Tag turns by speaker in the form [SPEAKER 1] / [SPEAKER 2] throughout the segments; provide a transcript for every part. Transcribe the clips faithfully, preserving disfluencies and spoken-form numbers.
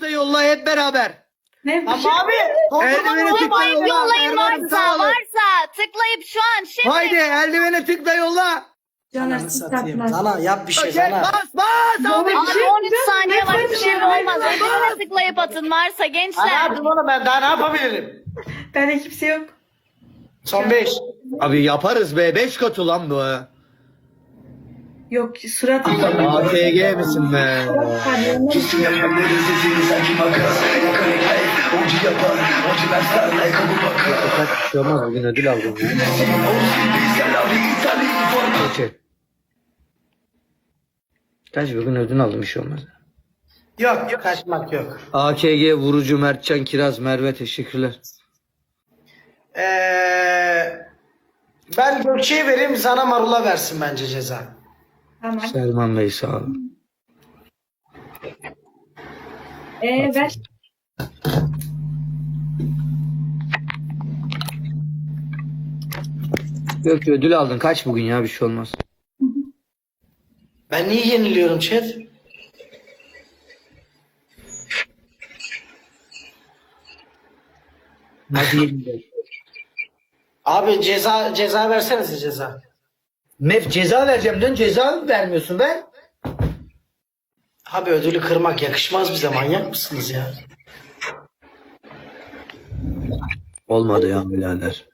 [SPEAKER 1] tıkla yolla hep beraber.
[SPEAKER 2] Ne?
[SPEAKER 3] Ama abi.
[SPEAKER 1] Eldiveni tıkla
[SPEAKER 4] Tıklayıp
[SPEAKER 1] yolla.
[SPEAKER 4] yollayın
[SPEAKER 1] Erman'ım
[SPEAKER 4] varsa,
[SPEAKER 1] sağ olun.
[SPEAKER 4] varsa tıklayıp şu an şimdi.
[SPEAKER 1] Haydi eldiveni tıkla yolla.
[SPEAKER 2] Caner
[SPEAKER 3] Ananı
[SPEAKER 2] siz
[SPEAKER 3] satayım.
[SPEAKER 2] takmaz.
[SPEAKER 3] Sana yap bir şey
[SPEAKER 1] Gel,
[SPEAKER 3] sana.
[SPEAKER 1] bas bas abi.
[SPEAKER 2] Doğru.
[SPEAKER 4] Abi on üç saniye var, bir şey olmaz.
[SPEAKER 2] Bas.
[SPEAKER 4] Eldivene tıklayıp atın varsa
[SPEAKER 3] Ana
[SPEAKER 4] gençler.
[SPEAKER 3] yaptım onu ben daha ne yapabilirim?
[SPEAKER 2] Bende kimse yok.
[SPEAKER 3] Son beş.
[SPEAKER 1] Abi yaparız be. Beş katı lan bu.
[SPEAKER 2] Yok surat
[SPEAKER 1] A T G misin be? Kaç bir şey olmaz. Bugün ödül aldım. Geçe. Kaç bugün ödül aldım bir şey olmaz.
[SPEAKER 3] Yok yok kaçmak yok.
[SPEAKER 1] A K G, Vurucu, Mertcan, Kiraz, Merve teşekkürler.
[SPEAKER 3] Ee, ben Gökçe'ye vereyim sana Marul'a versin bence ceza.
[SPEAKER 2] Tamam.
[SPEAKER 1] Selman Bey sağ olun.
[SPEAKER 2] Ee ver.
[SPEAKER 1] Yok ödül aldın. Kaç bugün ya bir şey olmaz.
[SPEAKER 3] Ben niye yeniliyorum chat?
[SPEAKER 1] Hadi yedi.
[SPEAKER 3] Abi ceza ceza versenize ceza.
[SPEAKER 1] Mef ceza vereceğim dön ceza vermiyorsun ben.
[SPEAKER 3] Abi ödülü kırmak yakışmaz bize, manyak mısınız ya?
[SPEAKER 1] Olmadı ya birader.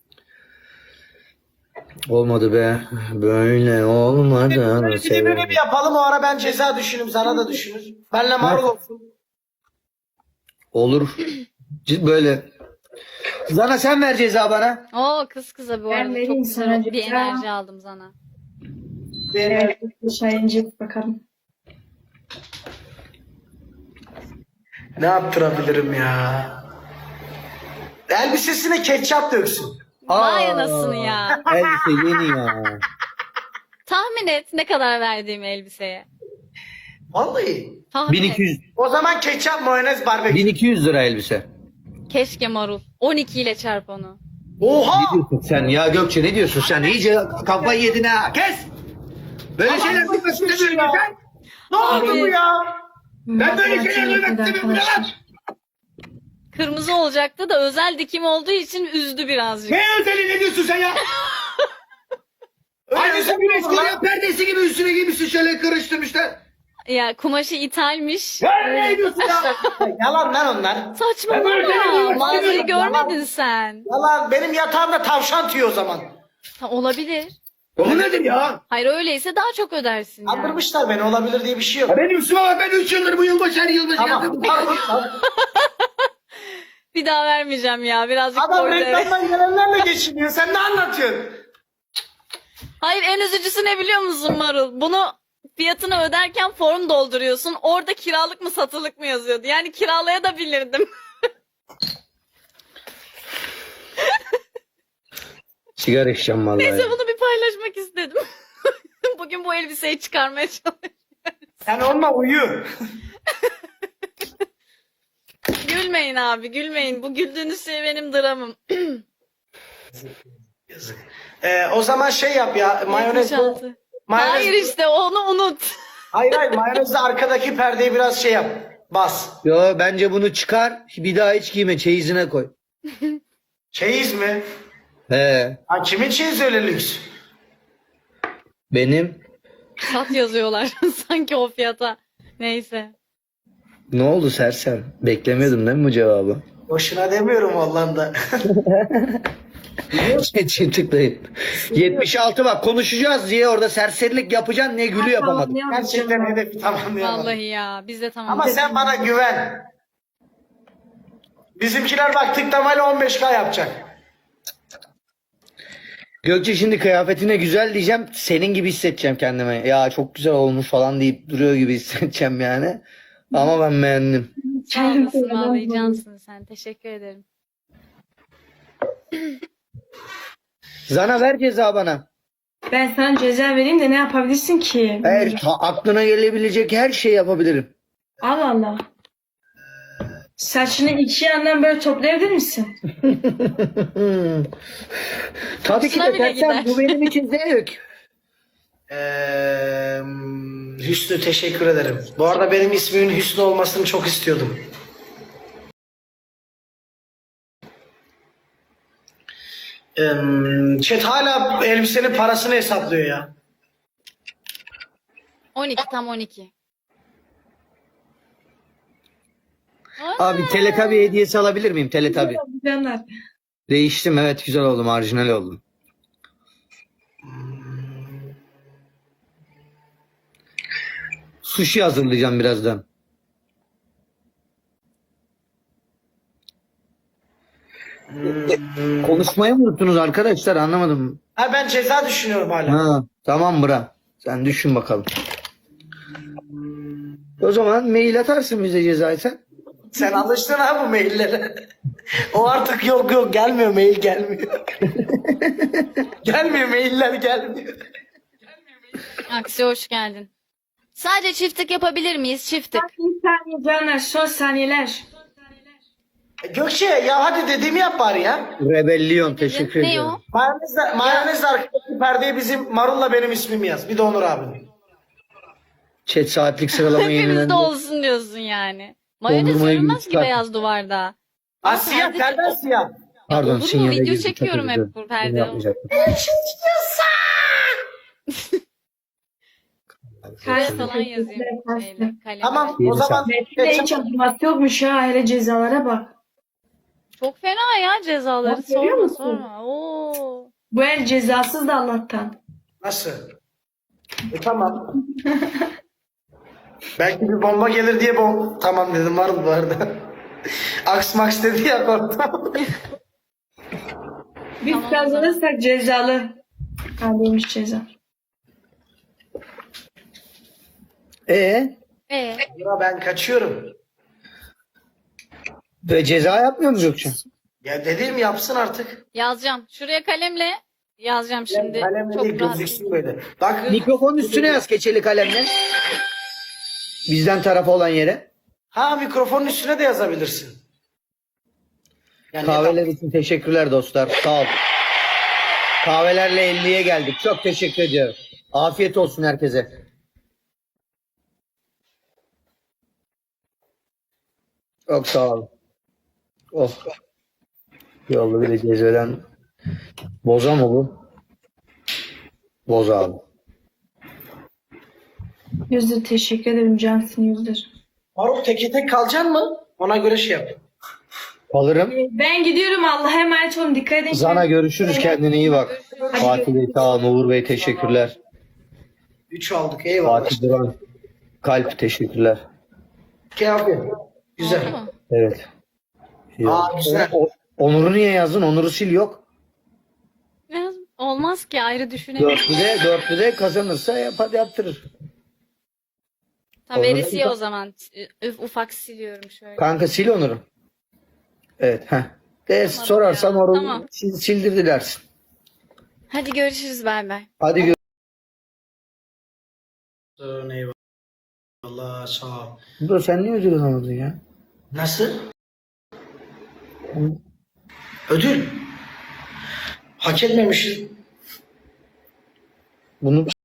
[SPEAKER 1] Olmadı be. Böyle olmadı.
[SPEAKER 3] Böyle bir de böyle bir yapalım, o ara ben ceza düşünürüm, sana da düşünür. Benle Marul olsun.
[SPEAKER 1] Olur. Cid- Böyle. Zana sen ver ceza bana.
[SPEAKER 4] Oo kız kıza bu
[SPEAKER 2] Ben
[SPEAKER 4] arada
[SPEAKER 2] vereyim
[SPEAKER 4] çok
[SPEAKER 2] sana
[SPEAKER 4] güzel bir
[SPEAKER 2] ceza.
[SPEAKER 4] enerji aldım sana.
[SPEAKER 2] Evet. Şahincik bakalım.
[SPEAKER 3] Ne yaptırabilirim ya? Elbisesine ketçap döksün.
[SPEAKER 4] Vay
[SPEAKER 1] Aa,
[SPEAKER 4] anasını ya.
[SPEAKER 1] Elbise yeni ya.
[SPEAKER 4] Tahmin et ne kadar verdiğim elbiseye.
[SPEAKER 3] Vallahi.
[SPEAKER 4] Tahmin
[SPEAKER 1] bin iki yüz.
[SPEAKER 4] et.
[SPEAKER 3] O zaman ketçap, mayonez, barbekü.
[SPEAKER 1] bin iki yüz lira elbise.
[SPEAKER 4] Keşke marul. on iki ile çarp onu.
[SPEAKER 3] Oha!
[SPEAKER 1] Ne diyorsun sen ya Gökçe ne diyorsun sen? İyice kafayı yedin ha. Kes! Böyle şeyler duymak istemiyorum
[SPEAKER 3] ya.
[SPEAKER 1] ben.
[SPEAKER 3] Ne oldu bu ya?
[SPEAKER 1] Ben böyle
[SPEAKER 2] Matematik
[SPEAKER 1] şeyler duymak
[SPEAKER 2] yapıyordu
[SPEAKER 1] istemiyorum.
[SPEAKER 2] arkadaşlar.
[SPEAKER 4] Kırmızı olacaktı da özel dikim olduğu için üzdü birazcık.
[SPEAKER 1] Ne özeli ne diyorsun sen ya? Aynı sen güneş koruyan perdesi gibi üstüne giymişsin şöyle kırıştırmışlar.
[SPEAKER 4] Ya kumaşı ithalmiş.
[SPEAKER 1] Ya ne diyorsun ya?
[SPEAKER 3] Yalan lan onlar.
[SPEAKER 1] Ben böyle
[SPEAKER 4] Saçmalama.
[SPEAKER 1] şeyler
[SPEAKER 4] Mağazayı
[SPEAKER 3] duymak
[SPEAKER 4] görmedin sen.
[SPEAKER 3] Yalan, benim yatağımda tavşan tüyüyor o zaman.
[SPEAKER 4] Ha, olabilir.
[SPEAKER 1] O nedir ya?
[SPEAKER 4] Hayır öyleyse daha çok ödersin ya.
[SPEAKER 3] Kandırmışlar beni, olabilir diye bir şey yok.
[SPEAKER 1] Ya benim üstüme bak ben üç yıldır bu yılbaşı her yılbaşı
[SPEAKER 3] Tamam.
[SPEAKER 1] yazdım.
[SPEAKER 4] Bir daha vermeyeceğim ya. Birazcık
[SPEAKER 3] Adam
[SPEAKER 4] koydu eve.
[SPEAKER 3] reklamdan gelenlerle geçiniyor. Sen ne anlatıyorsun?
[SPEAKER 4] Hayır en üzücüsü ne biliyor musun Marul? Bunu fiyatını öderken form dolduruyorsun. Orada kiralık mı satılık mı yazıyordu. Yani kiralaya da bilirdim.
[SPEAKER 1] Sigara içeceğim vallahi.
[SPEAKER 4] Neyse bunu bir paylaşmak istedim. Bugün bu elbiseyi çıkarmaya çalışıyorum.
[SPEAKER 3] Sen onunla uyu.
[SPEAKER 4] Gülmeyin abi gülmeyin. Bu güldüğünüz şey benim dramım.
[SPEAKER 3] Yazık. Ee, o zaman şey yap ya. Mayonez.
[SPEAKER 4] yetmiş altı.
[SPEAKER 3] mayonez
[SPEAKER 4] Hayır işte onu unut.
[SPEAKER 3] Hayır hayır, mayonezle arkadaki perdeyi biraz şey yap. Bas.
[SPEAKER 1] Yo bence bunu çıkar bir daha hiç giyme çeyizine koy.
[SPEAKER 3] Çeyiz mi?
[SPEAKER 1] He
[SPEAKER 3] Ha, kimin çeyiz öyle lüks?
[SPEAKER 1] benim.
[SPEAKER 4] Sat yazıyorlar sanki o fiyata. Neyse.
[SPEAKER 1] Ne oldu sersem? Beklemiyordum değil mi bu cevabı?
[SPEAKER 3] Boşuna demiyorum vallahi da.
[SPEAKER 1] Çetin tıklayın. yetmiş altı bak konuşacağız diye orada serserilik yapacaksın ne gülü yapamadım.
[SPEAKER 3] Gerçekten hedefi tamamlayamadım.
[SPEAKER 4] Vallahi ya biz de tamam.
[SPEAKER 3] Ama sen bana güven. Bizimkiler bak tıklamayla on beş K yapacak.
[SPEAKER 1] Gökçe şimdi kıyafetine güzel diyeceğim senin gibi hissedeceğim kendime. Ya çok güzel olmuş falan deyip duruyor gibi hissedeceğim yani. Ama ben beğendim.
[SPEAKER 4] Sağ olasın vallahi cansın sen. Teşekkür ederim.
[SPEAKER 1] Zana ver ceza bana.
[SPEAKER 2] Ben sana ceza vereyim de ne yapabilirsin ki?
[SPEAKER 1] Her ta- aklına gelebilecek her şeyi yapabilirim.
[SPEAKER 2] Allah Allah. Saçını iki yandan böyle toplayabilir misin?
[SPEAKER 1] Tabii ki de
[SPEAKER 4] Hoşuna bile
[SPEAKER 1] sersem
[SPEAKER 4] gider.
[SPEAKER 1] bu benim için zevk.
[SPEAKER 3] Ee, Hüsnü teşekkür ederim. Bu arada benim ismimin Hüsnü olmasını çok istiyordum. Ee, chat hala elbisenin parasını hesaplıyor ya.
[SPEAKER 4] on iki tam on iki.
[SPEAKER 1] Abi Teletabi hediyesi alabilir miyim? Teletabi.
[SPEAKER 2] Canlar.
[SPEAKER 1] Değiştim, evet, güzel oldum. Marjinal oldum. Sushi hazırlayacağım birazdan. Konuşmayı mı unuttunuz arkadaşlar? Anlamadım.
[SPEAKER 3] Ha, ben ceza düşünüyorum hala.
[SPEAKER 1] Ha, tamam bra. Sen düşün bakalım. O zaman mail atarsın bize cezayı sen.
[SPEAKER 3] Sen alıştın ha bu maillere. O artık yok yok gelmiyor, mail gelmiyor. Gelmiyor, mailler gelmiyor.
[SPEAKER 4] Aksi hoş geldin. Sadece çiftlik yapabilir miyiz? Çiftlik.
[SPEAKER 2] Bir saniye canlar. Son saniyeler.
[SPEAKER 3] Gökçe ya hadi dediğimi yap bari ya.
[SPEAKER 1] Rebellion, teşekkür
[SPEAKER 4] Ne
[SPEAKER 1] ediyorum.
[SPEAKER 4] o?
[SPEAKER 3] Mayonezle, mayonezle arkadaki perdeye bizim Marul'la benim ismimi yaz. Bir de Onur abi.
[SPEAKER 1] Chat saatlik sıralama
[SPEAKER 4] Hepimizde
[SPEAKER 1] yenilendi.
[SPEAKER 4] olsun diyorsun yani. Mayonez
[SPEAKER 1] Dondurmayı
[SPEAKER 4] görünmez ki
[SPEAKER 1] yumuşak.
[SPEAKER 4] beyaz duvarda.
[SPEAKER 3] Ha siyah,
[SPEAKER 4] perde-
[SPEAKER 3] perden siyah.
[SPEAKER 1] Pardon,
[SPEAKER 4] Olur mu?
[SPEAKER 1] sinyale
[SPEAKER 4] Video
[SPEAKER 1] girdim, çok
[SPEAKER 4] çekiyorum
[SPEAKER 1] özür
[SPEAKER 4] hep
[SPEAKER 1] dilerim.
[SPEAKER 4] bu perde.
[SPEAKER 1] Bunu yapmayacaktım.
[SPEAKER 4] Kalem falan yazayım. Şeyle, kalem.
[SPEAKER 3] Tamam
[SPEAKER 1] İyi
[SPEAKER 3] o zaman
[SPEAKER 2] Metin'de hiç acıması yokmuş ha. Hele cezalara bak.
[SPEAKER 4] Çok fena ya cezaları.
[SPEAKER 2] Bak, görüyor
[SPEAKER 4] Sorma
[SPEAKER 2] musun?
[SPEAKER 4] sorma. Oo.
[SPEAKER 2] Bu el cezasız da Allah'tan.
[SPEAKER 3] nasıl? E, tamam. Belki bir bomba gelir diye bom tamam dedim, Marul bu arada. Aks maks dedi ya, korktum.
[SPEAKER 2] Biz
[SPEAKER 4] Tamam,
[SPEAKER 2] kazanırsak cezalı. Kaldıymış ceza.
[SPEAKER 1] Ee,
[SPEAKER 4] Ee,
[SPEAKER 3] Ya ben kaçıyorum.
[SPEAKER 1] ve ceza yapmıyor musun Gökçe?
[SPEAKER 3] Ya dediğim yapsın artık.
[SPEAKER 4] yazacağım. Şuraya kalemle yazacağım şimdi.
[SPEAKER 3] Kalemle
[SPEAKER 4] Çok
[SPEAKER 3] değil,
[SPEAKER 4] rahat.
[SPEAKER 3] gözüksün böyle. Bak
[SPEAKER 1] Mikrofon üstüne yaz keçeli kalemle. Bizden tarafı olan yere.
[SPEAKER 3] ha, mikrofonun üstüne de yazabilirsin. Yani
[SPEAKER 1] Kahveler için teşekkürler dostlar. Sağ ol. Kahvelerle elliye geldik. Çok teşekkür ediyorum. Afiyet olsun herkese. Çok sağ ol. Oh. Yolda bir de cezveden. Boza mı bu? Boza abi.
[SPEAKER 2] Yüzdür teşekkür ederim Cansın Yüzdür.
[SPEAKER 3] Marul teke tek kalacaksın mı? Ona göre şey yap.
[SPEAKER 1] Alırım.
[SPEAKER 2] Ben gidiyorum. Allah'a emanet olun. Dikkat edin.
[SPEAKER 1] Zana görüşürüz. Kendine iyi bak. Fatih Bey sağ ol. Uğur Bey teşekkürler.
[SPEAKER 3] Üç aldık, eyvallah.
[SPEAKER 1] Fatih Duran. Kalp teşekkürler.
[SPEAKER 3] Okey abi. Güzel.
[SPEAKER 4] Oldu mu?
[SPEAKER 1] Evet.
[SPEAKER 3] Aa, güzel.
[SPEAKER 1] O- Onur'u niye yazdın? Onur'u sil yok.
[SPEAKER 4] Yaz- Olmaz ki ayrı düşünelim.
[SPEAKER 1] Dörtlüde, dörtlüde kazanırsa yap, hadi yaptırır.
[SPEAKER 4] Tamam
[SPEAKER 1] Onları
[SPEAKER 4] veresiye
[SPEAKER 1] da-
[SPEAKER 4] o zaman. Üf, ufak siliyorum şöyle.
[SPEAKER 1] Kanka sil Onur'u. Evet. Heh. De sorarsan
[SPEAKER 4] ya.
[SPEAKER 1] Onur'u
[SPEAKER 4] Tamam.
[SPEAKER 1] sil, sildirdi dersin.
[SPEAKER 4] Hadi görüşürüz bay bay.
[SPEAKER 1] Hadi gör.
[SPEAKER 3] Eyvallah, sağ ol.
[SPEAKER 1] Dur, sen niye ödül alamadın ya?
[SPEAKER 3] Nasıl? Ödül. Hak etmemişiz.
[SPEAKER 1] Bunu